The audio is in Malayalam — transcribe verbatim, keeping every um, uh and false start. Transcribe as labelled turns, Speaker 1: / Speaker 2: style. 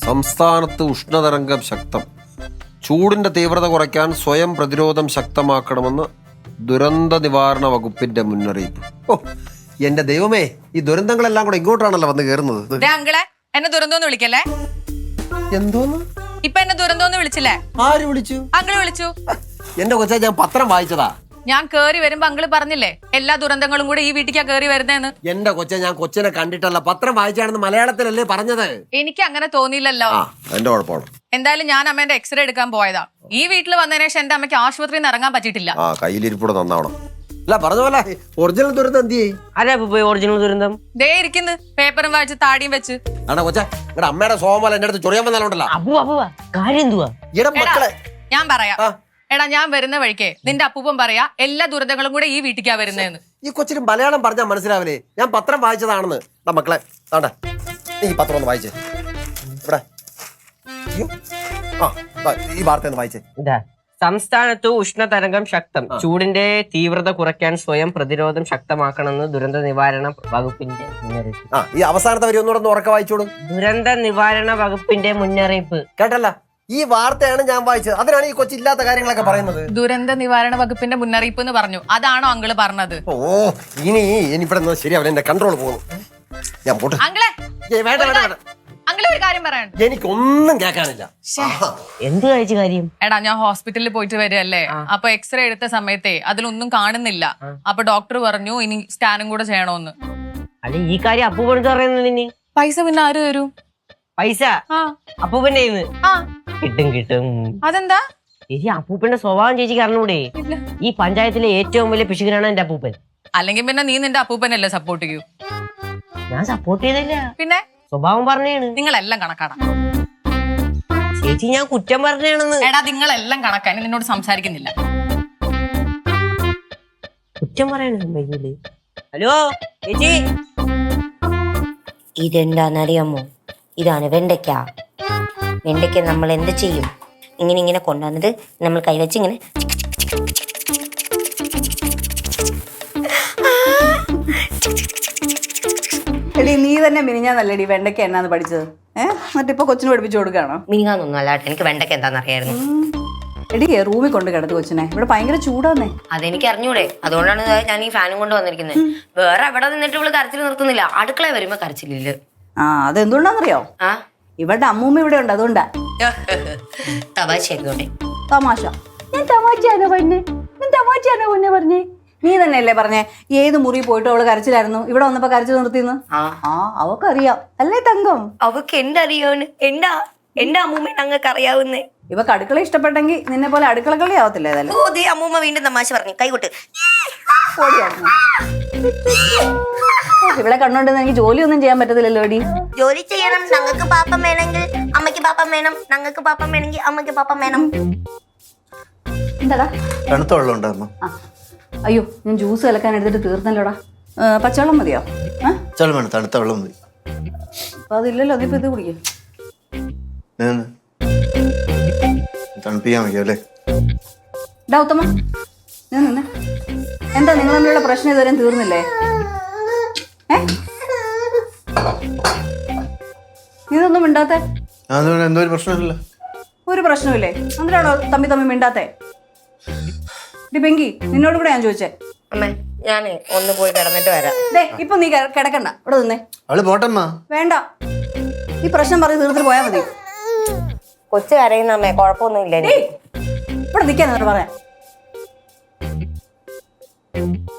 Speaker 1: സംസ്ഥാനത്ത് ഉഷ്ണതരംഗം ശക്തം. ചൂടിന്റെ തീവ്രത കുറയ്ക്കാൻ സ്വയം പ്രതിരോധം ശക്തമാക്കണമെന്ന് ദുരന്ത നിവാരണ വകുപ്പിന്റെ മുന്നറിയിപ്പ്. ഓ എന്റെ ദൈവമേ, ഈ ദുരന്തങ്ങളെല്ലാം കൂടെ ഇങ്ങോട്ടാണല്ലോ വന്ന് കയറുന്നത്.
Speaker 2: അങ്കിളെ എന്നെ ദുരന്തോന്ന് വിളിക്കല്ലേ?
Speaker 1: എന്തോന്ന്
Speaker 2: ഇപ്പൊ എന്നെ ദുരന്തോന്ന് വിളിച്ചില്ലേ?
Speaker 1: ആര് വിളിച്ചു?
Speaker 2: അങ്കിള് വിളിച്ചു.
Speaker 1: എന്റെ കൊച്ചാ, ഞാൻ പത്രം വായിച്ചതാ.
Speaker 2: ഞാൻ കേറി വരുമ്പോ അങ്കിള് പറഞ്ഞില്ലേ എല്ലാ ദുരന്തങ്ങളും കൂടെ ഈ വീട്ടിക്കാ കേറി വരുന്നേന്ന്.
Speaker 1: എന്റെ കൊച്ച, ഞാൻ കൊച്ചിനെ കണ്ടിട്ടല്ല, പത്രം വായിച്ചാണെന്ന് മലയാളത്തിലല്ലേ പറഞ്ഞത്.
Speaker 2: എനിക്ക് അങ്ങനെ തോന്നിയില്ലല്ലോ.
Speaker 1: എന്റെ കുഴപ്പമാണ്.
Speaker 2: എന്തായാലും ഞാൻ അമ്മേന്റെ എക്സ്റേ എടുക്കാൻ പോയതാ. ഈ വീട്ടിൽ വന്നതിന് ശേഷം എന്റെ അമ്മയ്ക്ക് ആശുപത്രിയിൽ നിന്ന് ഇറങ്ങാൻ പറ്റിയിട്ടില്ല.
Speaker 1: ആ കയ്യിലിരിപ്പൂടെ നന്നാവണം. അല്ല പറഞ്ഞ പോലെ ഒറിജിനൽ ദുരന്തം എന്ത് ചെയ്യും?
Speaker 3: അതെ ഒറിജിനൽ ദുരന്തം
Speaker 2: ദേ ഇരിക്കുന്നു, പേപ്പറും വായിച്ച് താടിയും വെച്ച്.
Speaker 1: ആണോ കൊച്ച, നിങ്ങളുടെ അമ്മയുടെ സോമല എന്റെ അടുത്ത് ചൊറിയാൻ വന്നാലുണ്ടല്ലോ.
Speaker 3: അപ്പു അപ്പു കാര്യം എന്തുവാ?
Speaker 1: മക്കളെ
Speaker 2: ഞാൻ പറയാം. എടാ, ഞാൻ വരുന്ന വഴിക്കേ നിന്റെ അപ്പൂപ്പൻ പറയാ എല്ലാ ദുരന്തങ്ങളും കൂടെ ഈ വീട്ടിക്കാ വരുന്നതെന്ന്.
Speaker 1: ഈ കൊച്ചിന് മലയാളം പറഞ്ഞാൽ മനസ്സിലാവില്ലേ? ഞാൻ പത്രം വായിച്ചതാണെന്ന്. മക്കളെ ആണ്ടെ, നീ ഈ പത്രം ഒന്ന് വായിച്ചേ. ഇവിടെ ആ ഈ വാർത്ത ഒന്ന് വായിച്ചേ.
Speaker 3: ഇതാ, സംസ്ഥാനത്ത് ഉഷ്ണതരംഗം ശക്തം. ചൂടിന്റെ തീവ്രത കുറയ്ക്കാൻ സ്വയം പ്രതിരോധം ശക്തമാക്കണമെന്ന് ദുരന്ത നിവാരണ വകുപ്പിന്റെ മുന്നറിയിപ്പ്.
Speaker 1: ആ ഈ അവസാനത്തെ വരി ഒന്നുകൂടെ ഒന്ന് ഉറക്കെ വായിച്ചോളൂ.
Speaker 3: ദുരന്ത നിവാരണ വകുപ്പിന്റെ മുന്നറിയിപ്പ്.
Speaker 1: കേട്ടല്ല, ഈ വാർത്തയാണ് ഞാൻ വായിച്ചത്. അതിനാണ് ഈ കൊച്ചി ഇല്ലാത്ത കാര്യങ്ങളൊക്കെ പറയുന്നത്.
Speaker 2: ദുരന്ത നിവാരണ വകുപ്പിന്റെ മുന്നറിയിപ്പ് എന്ന് പറഞ്ഞു. അതാണോ അങ്കിള് പറഞ്ഞത്?
Speaker 1: ഓ ഇനി ഇനി ഇവിടെ ശരിയാവില്ല, എന്റെ കൺട്രോൾ പോകുന്നു. ഞാൻ പോട്ടെ.
Speaker 2: അങ്കിളെ
Speaker 1: വേണ്ട വേണ്ട വേണ്ട,
Speaker 2: അങ്കിള് ഒരു കാര്യം പറയാൻ.
Speaker 1: എനിക്കൊന്നും കേൾക്കാനില്ല.
Speaker 3: എന്ത് കഴിച്ച കാര്യം?
Speaker 2: എടാ, ഞാൻ ഹോസ്പിറ്റലിൽ പോയിട്ട് വരികയല്ലേ, അപ്പൊ എക്സ്റേ എടുത്ത സമയത്തെ അതിലൊന്നും കാണുന്നില്ല. അപ്പൊ ഡോക്ടർ പറഞ്ഞു ഇനി സ്കാനും കൂടെ ചെയ്യണോന്ന്.
Speaker 3: അല്ല ഈ കാര്യം അപ്പൂപ്പൻ പറയുന്നതിന്
Speaker 2: പൈസ പിന്നെ ആര് തരും?
Speaker 3: പൈസ അപ്പൂപ്പന്റെ കിട്ടും കിട്ടും.
Speaker 2: അതെന്താ
Speaker 3: ചേച്ചി, അപ്പൂപ്പന്റെ സ്വഭാവം ചേച്ചിക്ക് അറിഞ്ഞൂടെ? ഈ പഞ്ചായത്തിലെ ഏറ്റവും വലിയ പിശുകനാണ് എന്റെ അപ്പൂപ്പൻ.
Speaker 2: അല്ലെങ്കിൽ പിന്നെ നീ നിന്റെ അപ്പൂപ്പനല്ലേ സപ്പോർട്ട് ചെയ്യൂ?
Speaker 3: ഞാൻ സപ്പോർട്ട് ചെയ്തില്ല,
Speaker 2: പിന്നെ
Speaker 3: സ്വഭാവം പറഞ്ഞാണ്.
Speaker 2: നിങ്ങളെല്ലാം കണക്കാടാ
Speaker 3: ചേച്ചി, ഞാൻ കുറ്റം പറഞ്ഞാണെന്ന്.
Speaker 2: എടാ, നിങ്ങളെല്ലാം കണക്കാ, നിന്നോട് സംസാരിക്കുന്നില്ല.
Speaker 3: കുറ്റം പറയണ. ഹലോ ചേച്ചി,
Speaker 4: ഇതെന്താന്നറിയാമോ? ഇതാണ് വെണ്ടയ്ക്ക. വെണ്ടയ്ക്ക നമ്മൾ എന്ത് ചെയ്യും? ഇങ്ങനെ ഇങ്ങനെ കൊണ്ടുവന്നിട്ട് നമ്മൾ കൈവച്ച് ഇങ്ങനെ
Speaker 5: എടി, നീ തന്നെ മിനിഞ്ഞാന്നല്ലേടി വെണ്ടയ്ക്ക എന്നാന്ന് പഠിച്ചത്? ഏഹ് എന്നിട്ടിപ്പോ കൊച്ചിന് പഠിപ്പിച്ചു കൊടുക്കാണോ?
Speaker 4: മിനിങ്ങാന്നൊന്നും അല്ലാട്ടെ, എനിക്ക് വെണ്ടയ്ക്ക എന്താണെന്നറിയായിരുന്നു.
Speaker 5: എടി, റൂമിൽ കൊണ്ട് കിടത്ത് കൊച്ചിനെ. ഇവിടെ ഭയങ്കര ചൂടാന്നേ.
Speaker 4: അതെനിക്ക് അറിഞ്ഞൂടെ, അതുകൊണ്ടാണ് ഞാൻ ഈ ഫാനും കൊണ്ട് വന്നിരിക്കുന്നത്. വേറെ എവിടെ നിന്നിട്ട് ഇവള് കരച്ചിൽ നിർത്തുന്നില്ല. അടുക്കള വരുമ്പോ കരച്ചിലില്ല.
Speaker 5: ആ അതെന്തുകൊണ്ടാന്നറിയോ?
Speaker 4: ആ
Speaker 5: ഇവരുടെ അമ്മൂമ്മ ഇവിടെ ഉണ്ട്, അതുകൊണ്ടാ.
Speaker 4: തമാശ ആയിക്കോട്ടെ.
Speaker 5: തമാശ? ഞാൻ തമാശയാണോ പറഞ്ഞേ? ഞാൻ തമാശയാണോ പൊന്നെ പറഞ്ഞേ? നീ തന്നെയല്ലേ പറഞ്ഞേ ഏത് മുറി പോയിട്ട് അവള് കരച്ചിലായിരുന്നു, ഇവിടെ വന്നപ്പോ കരച്ചിൽ നിർത്തിന്ന്? ആ അവക്കറിയാം അല്ലേ തങ്കം?
Speaker 4: അവക്ക് എന്തറിയാവുന്ന? എന്താ എന്റെ അമ്മൂമ്മ ഞങ്ങൾക്ക് അറിയാവുന്നേ.
Speaker 5: ഇവക്ക് അടുക്കള ഇഷ്ടപ്പെട്ടെങ്കിൽ നിന്നെ പോലെ അടുക്കള കളി ആവത്തില്ല. ഏതായാലും
Speaker 4: ഓ ദേ അമ്മൂമ്മ വീണ്ടും തമാശ പറഞ്ഞു. കൈകൊട്ട്.
Speaker 5: ഇവിടെ കണ്ടോണ്ടെന്ന് എനിക്ക് ജോലിയൊന്നും ചെയ്യാൻ പറ്റത്തില്ലല്ലോ. എടി,
Speaker 4: ജോലി ചെയ്യണം. ഞങ്ങൾക്ക് പാപ്പം വേണമെങ്കിൽ അമ്മയ്ക്ക് പാപ്പം വേണം, ഞങ്ങൾക്ക് പാപ്പം വേണമെങ്കിൽ അമ്മയ്ക്ക് പാപ്പം വേണം.
Speaker 5: എന്താടാ?
Speaker 6: തണുത്ത വെള്ളം ഉണ്ടാകുമ്പോ.
Speaker 5: അയ്യോ, ഞാൻ ജ്യൂസ് കലക്കാൻ എടുത്തിട്ട് തീർന്നല്ലോടാ. പച്ചവെള്ളം മതിയോ?
Speaker 6: പച്ചവെള്ളം വേണം, തണുത്ത വെള്ളം മതി.
Speaker 5: അപ്പൊ അതില്ലല്ലോ, അതിപ്പോ ഇത് കുടിക്കും.
Speaker 6: തണുപ്പിക്കാൻ വയ്ക്കും അല്ലേ?
Speaker 5: ഡാ ഉത്തമ, ഞാൻ നിന്നെ. എന്താ നിങ്ങൾ തമ്മിലുള്ള പ്രശ്നം ഇതുവരെയും തീർന്നില്ലേ? ഏ ഇതൊന്നും മിണ്ടാത്തെ?
Speaker 6: എന്തോ ഒരു പ്രശ്നമില്ല.
Speaker 5: ഒരു പ്രശ്നമില്ലേ? എന്തിനാണോ തമ്മി തമ്മി മിണ്ടാത്തെ? പെങ്കി, നിന്നോട് കൂടെ ഞാൻ ചോദിച്ചേ.
Speaker 4: അമ്മേ, ഞാന് ഒന്ന് പോയി കിടന്നിട്ട് വരാം.
Speaker 5: ദേ ഇപ്പൊ നീ കിടക്കണ്ട, ഇവിടെ നിന്നേ.
Speaker 6: അവള് പോട്ടമ്മ.
Speaker 5: വേണ്ട, ഈ പ്രശ്നം പറഞ്ഞ് തീർത്തിട്ട് പോയാ മതി.
Speaker 4: കൊച്ചു കരയുന്ന അമ്മേ, കുഴപ്പമൊന്നും ഇല്ല.
Speaker 5: ഇവിടെ നിൽക്കാൻ പറയാം.